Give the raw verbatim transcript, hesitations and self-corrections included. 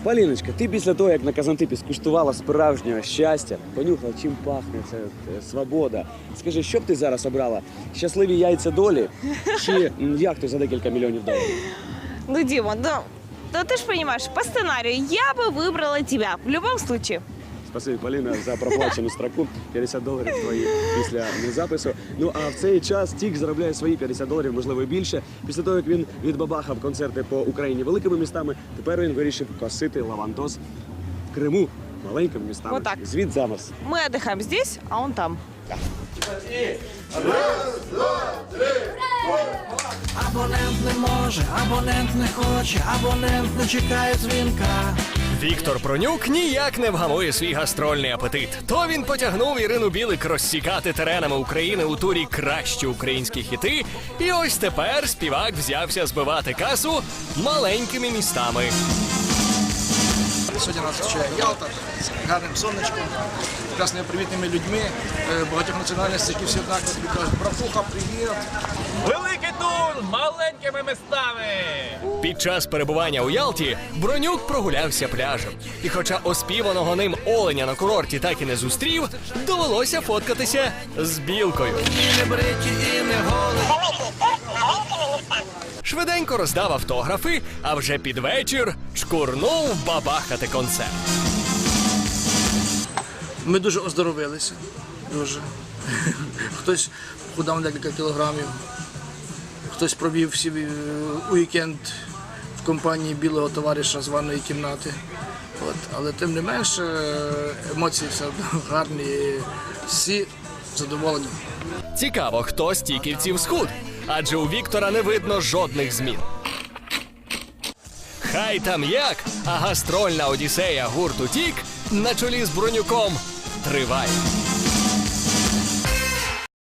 Поліночка, ти після того, як на Казантипі скуштувала справжнього щастя, понюхала, чим пахне це е, свобода. Скажи, що б ти зараз обрала? Щасливі яйця долі чи м, яхту за декілька мільйонів доларів? Ну, Дима, да, да ты же понимаешь, по сценарию я бы выбрала тебя в любом случае. Спасибі, Поліна, за проплачену строку. п'ятдесят доларів твої після запису. Ну, а в цей час Тік заробляє свої п'ятдесят доларів, можливо, і більше. Після того, як він відбабахав концерти по Україні великими містами, тепер він вирішив косити лавантоз в Криму маленькими містами. Вот так. Звід замас. Мы отдыхаем здесь, а он там. Абонент не може, абонент не хоче, абонент не чекає дзвінка. Віктор Пронюк ніяк не вгамує свій гастрольний апетит. То він потягнув Ірину Білик розсікати теренами України у турі «Кращі українські хіти», і ось тепер співак взявся збивати касу маленькими містами. Сьогодні нас зустрічає Ялта з гарним сонечком, прекрасними привітними людьми, е, багатьох національностей, які всі однаково тобі кажуть: братуха, привіт! Великий тур маленькими містами! Під час перебування у Ялті Бронюк прогулявся пляжем. І хоча оспіваного ним оленя на курорті так і не зустрів, довелося фоткатися з білкою. І не бриті, і не голі. Швиденько роздав автографи, а вже під вечір чкурнув бабахати концерт. Ми дуже оздоровилися, дуже. Хтось худав декілька кілограмів, хтось провів всі е, уікенд в компанії білого товариша з ванної кімнати. От. Але тим не менше емоції все одно гарні, всі задоволені. Цікаво, хто з тіківців схуд, адже у Віктора не видно жодних змін. Хай там як, а гастрольна одіссея гурту «Тік» на чолі з Бронюком триває.